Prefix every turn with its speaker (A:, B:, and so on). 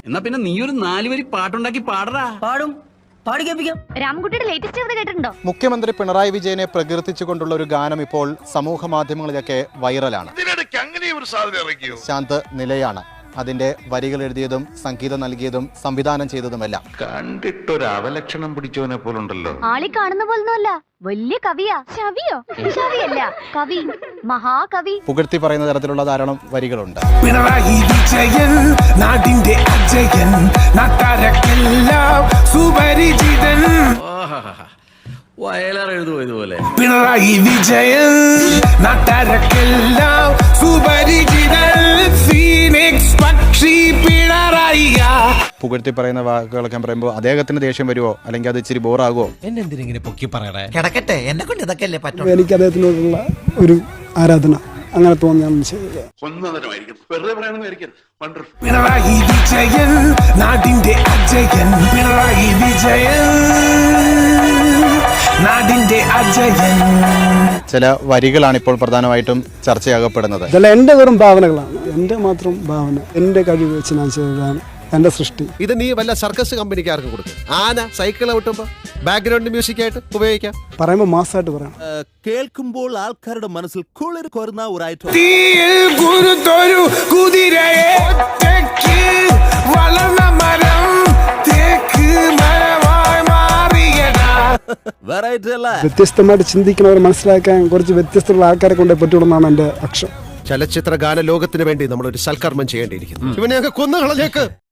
A: എന്നാ പിന്നെ നീ ഒരു 4 വരി പാട്ടുണ്ടാക്കി പാടറാ.
B: പാടും, പാടി കേൾപ്പിക്കാം.
C: രാമൻകുട്ടിയുടെ ലേറ്റസ്റ്റ് കേട്ടിട്ടുണ്ടോ?
D: മുഖ്യമന്ത്രി പിണറായി വിജയനെ പ്രകീർത്തിച്ചുകൊണ്ടുള്ള ഒരു ഗാനം ഇപ്പോൾ സമൂഹ മാധ്യമങ്ങളിലൊക്കെ വൈറലാണ്. ശാന്ത് നിലയാണ് അതിന്റെ വരികൾ എഴുതിയതും സംഗീതം നൽകിയതും സംവിധാനം ചെയ്തതുമെല്ലാം.
E: കണ്ടിട്ടൊരു അവലക്ഷണം പിടിച്ചവനെ പോലുണ്ടല്ലോ.
C: ആളി കാണുന്ന പോലൊന്നുമല്ല, വലിയ കവിയാ. കവിയോ? കവിയല്ല, കവി, മഹാകവി.
D: പുകഴ്ത്തി പറയുന്ന തരത്തിലുള്ള ധാരാളം വരികളുണ്ട്.
F: പിണറായി വിജയൻ നാടിന്റെ അജയൻ, നാട്ടാരക്കെല്ലാം സുപരിചിതൻ.
A: വയലാർ എഴുതുമോ ഇതുപോലെ?
F: പിണറായി വിജയൻ നാട്ടാരക്കെല്ലാം സുപരിചിതൻ. ഫീനിക്സ് പക്ഷി പിണറായി.
D: പുകഴ്ത്തി പറയുന്ന വാക്കുകളൊക്കെ പറയുമ്പോൾ അദ്ദേഹത്തിന് ദേഷ്യം വരുമോ, അല്ലെങ്കിൽ അത് ഇച്ചിരി ബോറാകുമോ?
G: എന്നെന്തിനെ പൊക്കി പറയണേ?
B: കിടക്കട്ടെ, എന്നെ കൊണ്ട് ഇതൊക്കെ അല്ലേ പറ്റും.
H: എനിക്ക് അദ്ദേഹത്തിനോടുള്ള ഒരു ആരാധന അങ്ങനെ തോന്നിയാണ് ചെയ്തത്.
F: പിണറായി വിജയൻ നാടിന്റെ അജയൻ. പിണറായി വിജയൻ നാടിന്റെ അജയൻ.
D: ചില വരികളാണ് ഇപ്പോൾ പ്രധാനമായിട്ടും ചർച്ചയാകപ്പെടുന്നത്.
H: ഇതെല്ലാം എൻ്റെ വെറും ഭാവനകളാണ്, എൻ്റെ മാത്രം ഭാവന, എൻ്റെ കഴിവ് വെച്ച് ഞാൻ ചെയ്തതാണ് എൻ്റെ സൃഷ്ടി.
G: ഇത് നീ വല്ല സർക്കസ് കമ്പനിക്കാർക്ക് കൊടുക്കും. ആന സൈക്കിൾ ഔട്ടുമ്പോ ബാക്ക്ഗ്രൗണ്ട് മ്യൂസിക് ആയിട്ട് ഉപയോഗിക്കാം.
H: പറയുമ്പോൾ മാസമായിട്ട് പറയണം.
I: കേൾക്കുമ്പോൾ ആൾക്കാരുടെ മനസ്സിൽ കുളിർ കോരുന്ന ഒരു ഐറ്റം.
F: തീയിൽ കുരുത്തൊരു കുതിരയെ ഒറ്റയ്ക്ക് വളർന്ന മരം തേക്ക് മരമായി മാറിയടാ.
I: വെറൈറ്റി അല്ല.
H: വ്യത്യസ്തമായിട്ട് ചിന്തിക്കുന്നവർ മനസ്സിലാക്കാൻ കുറച്ച് വ്യത്യസ്തമുള്ള ആൾക്കാരെ കൊണ്ടേ പറ്റുള്ളൂ എൻ്റെ അക്ഷം.
G: ചലച്ചിത്ര ഗാന ലോകത്തിന് വേണ്ടി നമ്മളൊരു സൽക്കർമ്മം ചെയ്യേണ്ടിയിരിക്കുന്നു. ഇവനെയൊക്കെ കൊന്നു കളഞ്ഞേക്ക്.